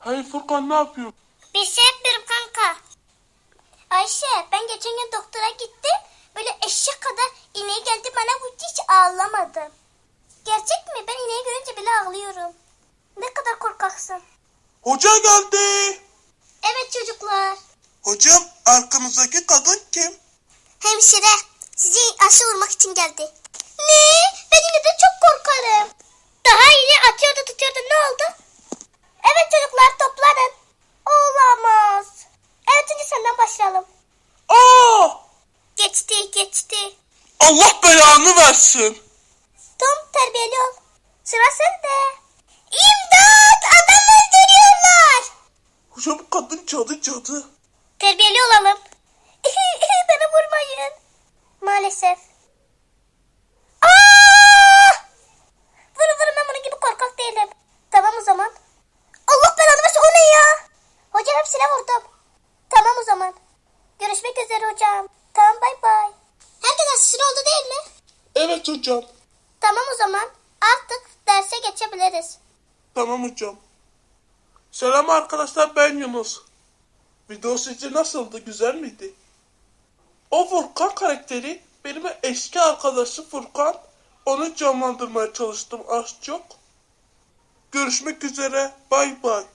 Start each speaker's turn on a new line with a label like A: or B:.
A: Hayır Furkan, ne yapıyor?
B: Bir şey yapıyorum kanka. Ayşe, ben geçen gün doktora gittim. Böyle eşek kadar iğneyi geldi bana, bu hiç ağlamadım. Gerçek mi? Ben iğneyi görünce bile ağlıyorum. Ne kadar korkaksın.
A: Hoca geldi.
B: Evet çocuklar.
A: Hocam, arkamızdaki kadın kim?
B: Hemşire, sizi aşı vurmak için geldi. Ne? Ben yine de çok korkarım. Daha yeni atıyordu tutuyordu, ne oldu? Evet çocuklar, toplanın. Olamaz. Evet, önce senden başlayalım.
A: Aa!
B: Geçti.
A: Allah belanı versin.
B: Tom, terbiyeli ol. Sıra sende. İmdat! Adam öldürüyorlar.
A: Hocam, kadın cadı.
B: Terbiyeli olalım. Beni vurmayın. Maalesef. Aa! Vurun, ben bunun gibi korkak değilim. Tamam o zaman. Allah belanı versin, o ne ya? Hocam, hepsine vurdum. Tamam o zaman. Görüşmek üzere hocam. Tamam, bay bay. Herkes aşısını oldu değil mi?
A: Evet hocam.
B: Tamam o zaman. Artık derse geçebiliriz.
A: Tamam hocam. Selam arkadaşlar, ben Yunus. Video sizce nasıldı? Güzel miydi? O Furkan karakteri benim eski arkadaşı Furkan. Onu canlandırmaya çalıştım az çok. Görüşmek üzere. Bay bay.